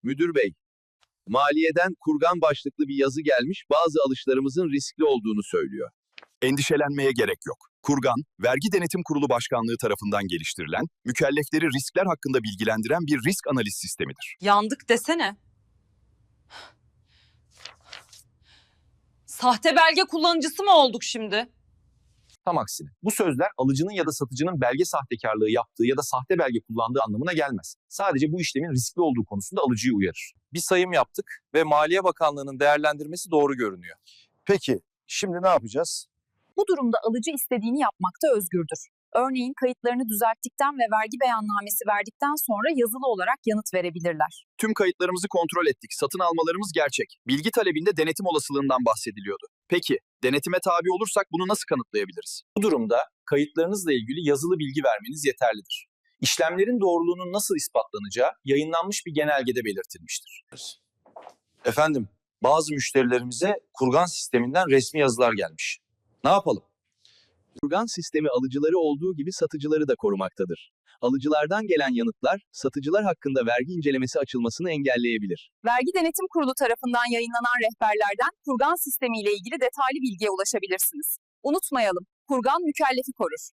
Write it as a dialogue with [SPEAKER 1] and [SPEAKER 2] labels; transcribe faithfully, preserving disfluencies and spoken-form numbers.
[SPEAKER 1] Müdür bey, maliyeden kurgan başlıklı bir yazı gelmiş, bazı alışlarımızın riskli olduğunu söylüyor.
[SPEAKER 2] Endişelenmeye gerek yok. Kurgan, Vergi Denetim Kurulu Başkanlığı tarafından geliştirilen, mükellefleri riskler hakkında bilgilendiren bir risk analiz sistemidir.
[SPEAKER 3] Yandık desene. Sahte belge kullanıcısı mı olduk şimdi?
[SPEAKER 4] Tam aksine. Bu sözler alıcının ya da satıcının belge sahtekarlığı yaptığı ya da sahte belge kullandığı anlamına gelmez. Sadece bu işlemin riskli olduğu konusunda alıcıyı uyarır.
[SPEAKER 5] Bir sayım yaptık ve Maliye Bakanlığı'nın değerlendirmesi doğru görünüyor.
[SPEAKER 6] Peki, şimdi ne yapacağız?
[SPEAKER 7] Bu durumda alıcı istediğini yapmakta özgürdür. Örneğin kayıtlarını düzelttikten ve vergi beyannamesi verdikten sonra yazılı olarak yanıt verebilirler.
[SPEAKER 2] Tüm kayıtlarımızı kontrol ettik. Satın almalarımız gerçek. Bilgi talebinde denetim olasılığından bahsediliyordu. Peki, denetime tabi olursak bunu nasıl kanıtlayabiliriz?
[SPEAKER 4] Bu durumda kayıtlarınızla ilgili yazılı bilgi vermeniz yeterlidir. İşlemlerin doğruluğunun nasıl ispatlanacağı yayınlanmış bir genelgede belirtilmiştir.
[SPEAKER 5] Efendim, bazı müşterilerimize kurgan sisteminden resmi yazılar gelmiş. Ne yapalım?
[SPEAKER 1] Kurgan sistemi alıcıları olduğu gibi satıcıları da korumaktadır. Alıcılardan gelen yanıtlar, satıcılar hakkında vergi incelemesi açılmasını engelleyebilir.
[SPEAKER 7] Vergi Denetim Kurulu tarafından yayınlanan rehberlerden kurgan sistemiyle ilgili detaylı bilgiye ulaşabilirsiniz. Unutmayalım, kurgan mükellefi korur.